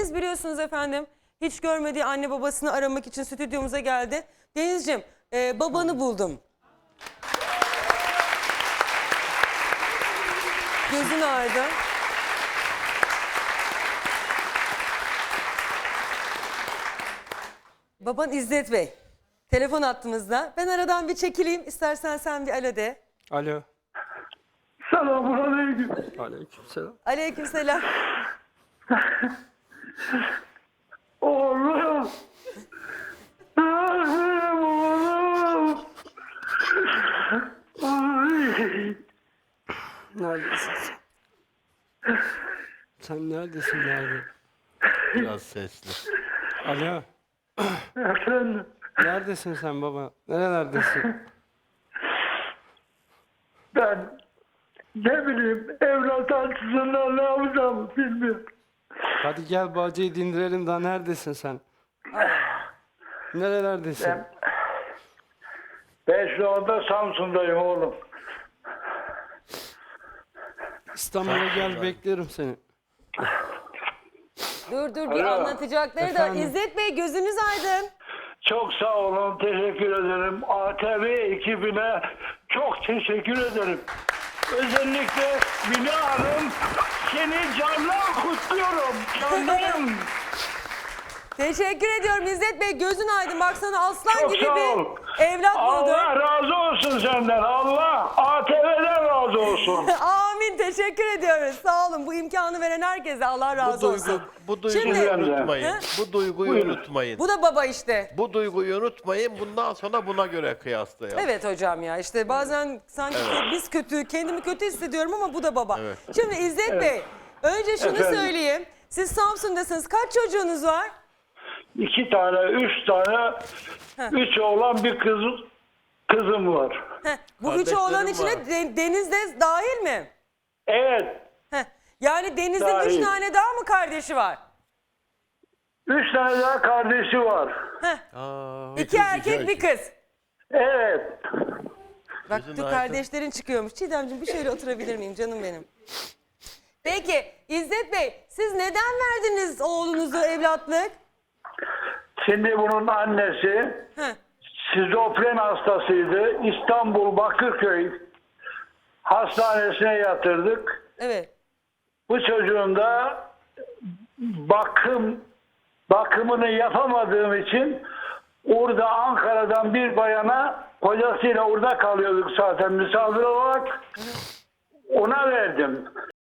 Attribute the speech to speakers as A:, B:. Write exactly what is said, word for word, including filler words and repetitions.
A: Deniz biliyorsunuz efendim hiç görmediği anne babasını aramak için stüdyomuza geldi. Denizciğim e, babanı buldum. Gözün aydın. Baban İzzet Bey. Telefon attığımızda. Ben aradan bir çekileyim. İstersen sen bir alo de.
B: Alo.
C: Selamünaleyküm.
B: Aleykümselam.
A: Aleykümselam.
C: Oğlum. Benim oğlum. Ay.
B: Neredesin sen? Sen neredesin nerede?
D: Biraz sesli.
B: Alo.
C: Efendim.
B: Neredesin sen baba? Nerelerdesin?
C: Ben ne bileyim evlat açısından ne yapacağım bilmiyorum.
B: Hadi gel bacayı dindirelim daha neredesin sen? Nerelerdesin?
C: Ben, ben şu anda Samsun'dayım oğlum.
B: İstanbul'a gel beklerim seni.
A: Dur dur bir
C: Alo.
A: anlatacakları da.
B: Efendim?
A: İzzet Bey gözünüz aydın.
C: Çok sağ olun, teşekkür ederim. A T V ekibine çok teşekkür ederim. Özellikle Mine Hanım, seni candan kutluyorum. Canlarım.
A: Teşekkür ediyorum İzzet Bey. Gözün aydın. Baksana aslan
C: Çok
A: gibi
C: sağ
A: bir
C: ol.
A: evlat buldun.
C: Allah razı olsun senden. Allah A T V'den razı olsun.
A: Amin. Teşekkür ediyoruz. Sağ olun. Bu imkanı veren herkese Allah
D: Bu
A: razı
D: duygu,
A: olsun.
D: bu duyguyu
A: Şimdi-
D: unutmayın.
A: He?
D: Bu duyguyu
C: Buyurun.
D: unutmayın.
A: Bu da baba işte.
D: Bu duyguyu unutmayın. Bundan sonra buna göre kıyaslayalım.
A: Evet hocam ya işte bazen sanki biz kötü, kendimi kötü hissediyorum ama bu da baba.
D: Evet.
A: Şimdi İzzet Bey, önce şunu
C: Efendim?
A: söyleyeyim. Siz Samsun'dasınız. Kaç çocuğunuz var?
C: İki tane, üç tane, üç oğlan bir kız, kızım var.
A: Heh, bu üç
D: Kardeşlerim
A: oğlan
D: var.
A: içine de- Deniz de dahil mi?
C: Evet,
A: Heh, yani Deniz'in
C: Dahil.
A: üç tane daha mı kardeşi var?
C: üç tane daha kardeşi var.
A: Heh,
D: Aa,
A: iki erkek bir kız.
C: Evet.
A: Bak
D: Gözün
A: dur
D: aydın.
A: kardeşlerin çıkıyormuş. Çiğdemciğim bir şöyle oturabilir miyim canım benim? Peki İzzet Bey siz neden verdiniz oğlunuzu evlatlık?
C: Şimdi bunun annesi
A: Heh,
C: şizofren hastasıydı. İstanbul Bakırköy hastanesine yatırdık.
A: evet.
C: Bu çocuğun da bakım bakımını yapamadığım için orada Ankara'dan bir bayana kocasıyla orada kalıyorduk zaten misafir olarak. Ona verdim.